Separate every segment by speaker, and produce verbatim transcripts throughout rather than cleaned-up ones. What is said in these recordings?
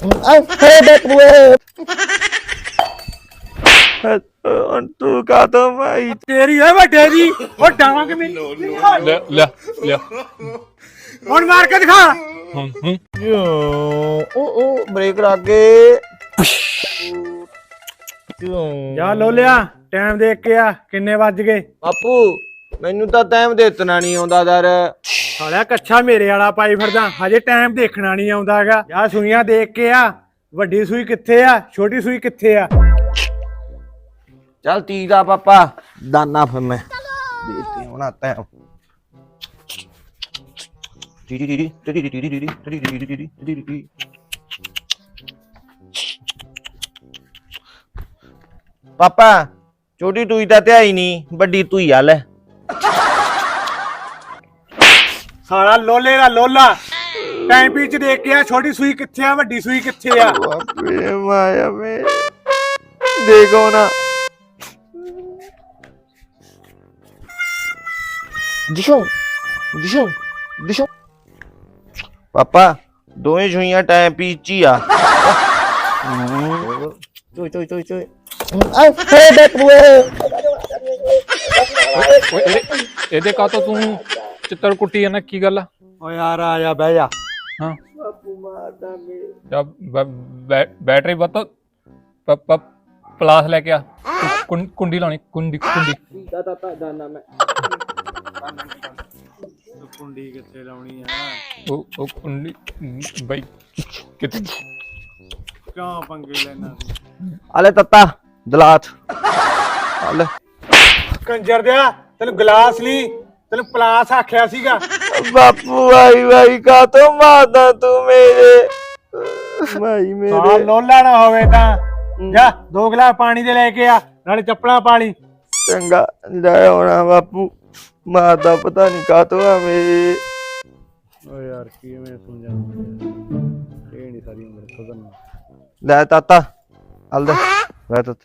Speaker 1: तू का तो भाई
Speaker 2: तेरी है बटे दी और डावा के मेरी
Speaker 3: ले ले ले
Speaker 2: कौन मार के दिखा
Speaker 3: हम्म हम्म
Speaker 1: ओ ओ ब्रेक लागे
Speaker 2: जा लो लिया टाइम देख के आ किन्ने बज गए
Speaker 1: बापू मैनू तो टाइम देतना नहीं आउंदा दर
Speaker 2: साला कच्छा मेरे वाला पाई फिरदा हजे टाइम देखना नहीं आउंदा हैगा जा सुइयां देख के आ ਵੱਡੀ ਸੂਈ ਕਿੱਥੇ ਆ ਛੋਟੀ ਸੂਈ ਕਿੱਥੇ ਆ
Speaker 1: चल तीजा पापा दाना फिर मैं देती हूँ ना टाइम पापा छोटी टूई तो ध्याई नहीं बड़ी टूई हल है
Speaker 2: साला लोले दा लोला टाइम पीच देख के आ छोटी सूई किथे आ ਵੱਡੀ सूई किथे आ
Speaker 1: बापे माया में देखो ना दिशो दिशो दिशो पापा दोवें छुइयां टाइम पीच ही आ चोई चोई चोई चोई
Speaker 3: ਇਹਦੇ ਕਾ ਤੋਂ ਤੂੰ ਚਿੱਤਰ ਕੁੱਟੀ ਜਾਂਦਾ ਕੀ ਗੱਲ ਆ
Speaker 2: ਓ ਯਾਰ ਆ ਜਾ ਬਹਿ ਜਾ
Speaker 3: ਹਾਂ
Speaker 1: बापू मारदा मेरे
Speaker 3: ਜਬ ਬੈਟਰੀ ਬੱਤ ਪਲਾਸ ਲੈ ਕੇ ਆ ਕੁੰ- ਕੁੰਡੀ ਲਾਉਣੀ ਕੁੰਡੀ ਕੁੰਡੀ
Speaker 1: तीजा ताता दाना मैं
Speaker 2: ਕੁੰਡੀ ਕਿੱਥੇ ਲਾਉਣੀ ਆ
Speaker 3: ਉਹ ਉਹ ਕੁੰਡੀ ਬਈ ਕਿਤੇ
Speaker 2: ਕਿਉਂ ਪੰਗੇ ਲੈਣਾ
Speaker 1: आले तत्ता दलात आले
Speaker 2: ਕੰਜਰ ਦਿਆ ਤੈਨੂੰ ਗਲਾਸ ਲਈ ਤੈਨੂੰ ਪਲਾਸ ਆਖਿਆ ਸੀਗਾ
Speaker 1: बापू भाई भाई का तो मारदा तू मेरे भाई
Speaker 2: ਸਾਲਾ
Speaker 1: मेरे
Speaker 2: ਲੋਲਾ ਨਾ ਹੋਵੇ ਤਾਂ ਜਾ ਦੋ ਗਲਾਸ ਪਾਣੀ ਦੇ ਲੈ ਕੇ ਆ ਨਾਲੇ ਚੱਪਲਾਂ ਪਾ ਲਈ
Speaker 1: चंगा जाए होना बापू मारदा पता नहीं का तो है मेरे
Speaker 2: ਓ ਯਾਰ ਕਿਵੇਂ ਸਮਝਾਵਾਂ ਇਹ ਨਹੀਂ ਸਾਰੀ ਉਮਰ ਸੁਧਰਨਾ
Speaker 1: ले ताता हल दे ले तत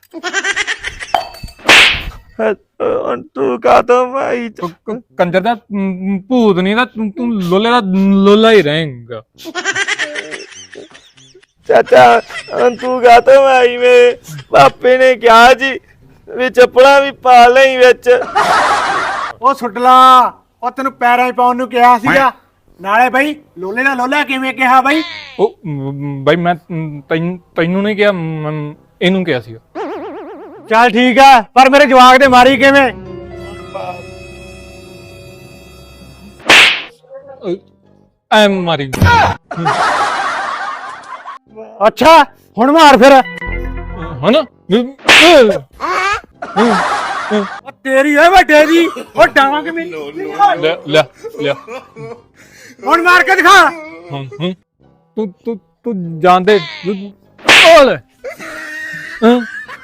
Speaker 1: तू का तो भाई
Speaker 3: ਕ- ਕ- ਕੰਜਰ ਦਾ ਮ, ਭੂਤ ਨਹੀਂ ਦਾ ਤੂੰ ਤੂੰ ਲੋਲੇ ਦਾ ਲੋਲਾ ਹੀ ਰਹੇਂਗਾ
Speaker 1: चाचा तू का तो भाई मेरे पापे ने क्या जी वे चप्पला भी पा लई विच
Speaker 2: ਉਹ ਸੁੱਟਲਾ ਉਹ ਤੈਨੂੰ ਪੈਰਾਂ 'ਚ ਪਾਉਣ ਨੂੰ ਕਿਹਾ ਸੀਗਾ ਨਾਲੇ ਬਈ ਲੋਲੇ ਦਾ ਲੋਲਾ ਕਿਵੇਂ ਕਿਹਾ ਬਈ
Speaker 3: ਉਹ ਮ, ਬਈ ਮੈਂ ਤੈਨੂੰ ਤੈਨੂੰ ਨਹੀਂ ਕਿਹਾ ਮ, ਇਹਨੂੰ ਕਿਹਾ ਸੀਗਾ
Speaker 2: ਚੱਲ ਠੀਕ ਆ ਪਰ ਮੇਰੇ ਜਵਾਕ ਦੇ ਮਾਰੀ ਕਿਵੇਂ
Speaker 3: ਐ ਮਾਰੀ
Speaker 2: ਅੱਛਾ ਹੁਣ ਮਾਰ ਫਿਰ
Speaker 3: ਹਨਾ
Speaker 2: ਉਹ ਤੇਰੀ ਹੈ ਵੱਡੇ ਦੀ ਉਹ ਡਾਵਾਂ ਕਿ ਮੇਰੀ
Speaker 3: ਲੈ ਲੈ ਲੈ
Speaker 2: ਹੁਣ ਮਾਰ ਕੇ ਦਿਖਾ
Speaker 3: ਹੂੰ ਹੂੰ ਤੂੰ ਤੂੰ ਤੂੰ ਜਾਂਦੇ ਓਲੇ ਹਾਂ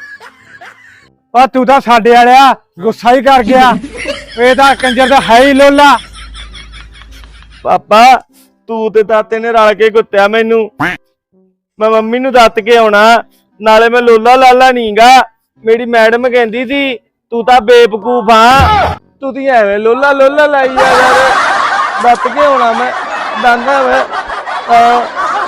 Speaker 2: ਆ ਤੂੰ ਤਾਂ ਸਾਡੇ ਵਾਲਿਆ ਗੁੱਸਾ ਹੀ ਕਰ ਗਿਆ ਇਹ ਤਾਂ ਕੰਜਰ ਦਾ ਹੈ ਹੀ ਲੋਲਾ
Speaker 1: पापा तू ते ताते ने रल के कुत्तिया मैनू मैं मम्मी नू दत के आउणा नाले मैं लोला लाला नीगा मेरी मैडम कहंदी सी तू तां बेवकूफ हां तू ती एवें लोला लोला लाई जा यार दत के आउणा मैं दांदा मैं